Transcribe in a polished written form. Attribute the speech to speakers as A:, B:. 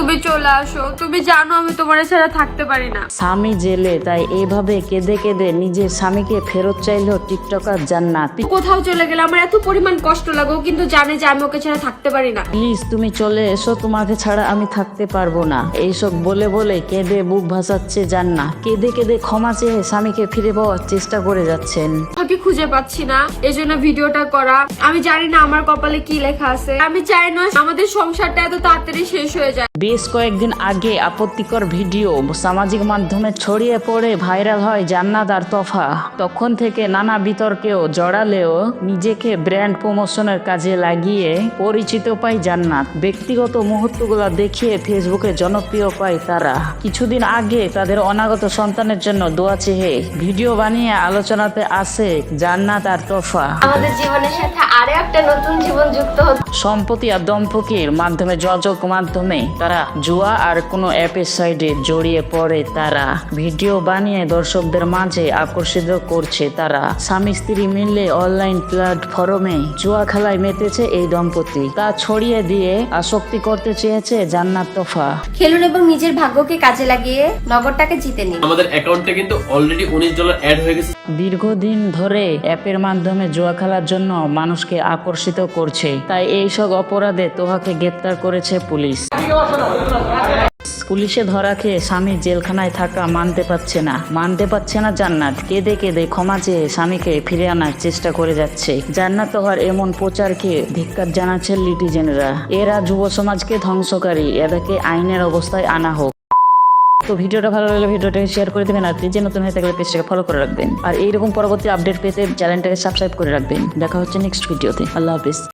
A: তুমি চলে আসো, তুমি জানো আমি তোমার ছাড়া থাকতে পারি না।
B: স্বামী জেলে, তাই এইভাবে কেঁদে কেঁদে নিজের স্বামীকে ফেরত চাইলো টিকটকার জান্নাত।
A: কোথাও চলে গেলে আমার এত পরিমাণ কষ্ট লাগে, ও কিন্তু জানে যে আমি ওকে ছাড়া থাকতে পারি না।
B: প্লিজ তুমি চলে এসো, তোমাকে ছাড়া আমি থাকতে পারবো না। এইসব বলে বলে কেঁদে বুক ভাসাচ্ছে জান্নাত। কেঁদে কেঁদে ক্ষমা চেয়ে স্বামীকে ফিরে পাওয়ার চেষ্টা করে যাচ্ছেন।
A: আমি খুঁজে পাচ্ছি না, এজন্য ভিডিওটা করা। আমি জানি না আমার কপালে কি লেখা আছে। আমি চাই না আমাদের সংসারটা এত তাড়াতাড়ি শেষ হয়ে যায়।
B: বেশ কয়েকদিন আগে আপত্তিকর ভিডিও সামাজিক মাধ্যমে ছড়িয়ে পড়ে ভাইরাল হয় জান্নাত আর তোফা। তখন থেকে নানা বিতর্কেও জড়ালেও নিজেকে ব্র্যান্ড প্রমোশনের কাজে লাগিয়ে পরিচিত পায় জান্নাত। ব্যক্তিগত মুহূর্তগুলো দেখিয়ে ফেসবুকে জনপ্রিয় পায় তারা। কিছুদিন আগে তাদের অনাগত সন্তানের জন্য দোয়া চেয়ে ভিডিও বানিয়ে আলোচনাতে আসে জান্নাত আর তোফা।
A: আমাদের জীবনের সাথে আরো একটা নতুন জীবন যুক্ত হচ্ছে।
B: সম্প্রতি আর দম্পতির মাধ্যমে যোগাযোগ মাধ্যমে তারা জুয়া আর কোনো অ্যাপের সাইডে জড়িয়ে পড়ে। তারা ভিডিও বানিয়ে দর্শকদের মাঝে আকর্ষিত করছে। তারা স্বামী স্ত্রী মিলে অনলাইন প্ল্যাটফর্মে জুয়া খেলায় মেতেছে এই দম্পতি। তা ছড়িয়ে দিয়ে আসক্তি করতে চেয়েছে জান্নাত তোফা।
A: খেলুন এবং নিজের ভাগ্যকে কাজে লাগিয়ে নগদটাকে জিতে নিন।
C: আমাদের অ্যাকাউন্টে কিন্তু অলরেডি $19 অ্যাড হয়ে গেছে।
B: দীর্ঘদিন ধরে অ্যাপের মাধ্যমে জুয়া খেলার জন্য মানুষকে আকর্ষিত করছে, তাই এইসব অপরাধে তোহাকে গ্রেপ্তার করেছে পুলিশ। পুলিশে ধরা খেয়ে স্বামী জেলখানায় থাকা মানতে পারছে না জান্নাত। কেঁদে কেঁদে ক্ষমা চেয়ে স্বামীকে ফিরে আনার চেষ্টা করে যাচ্ছে। জান্নাত তোহার এমন প্রচারকে ধিক্কার জানাচ্ছে লিটিজেনরা। এরা যুব সমাজকে ধ্বংসকারী, এদেরকে আইনের অবস্থায় আনা হোক। তো ভিডিওটা ভালো লাগলে ভিডিওটাকে শেয়ার করে দেবেন, আর পেজে নতুন হয়ে থাকলে পেজটাকে ফলো করে রাখবেন। আর এইরকম পরবর্তী আপডেট পেতে চ্যানেলটাকে সাবস্ক্রাইব করে রাখবেন। দেখা হচ্ছে নেক্সট ভিডিওতে। আল্লাহ হাফিজ।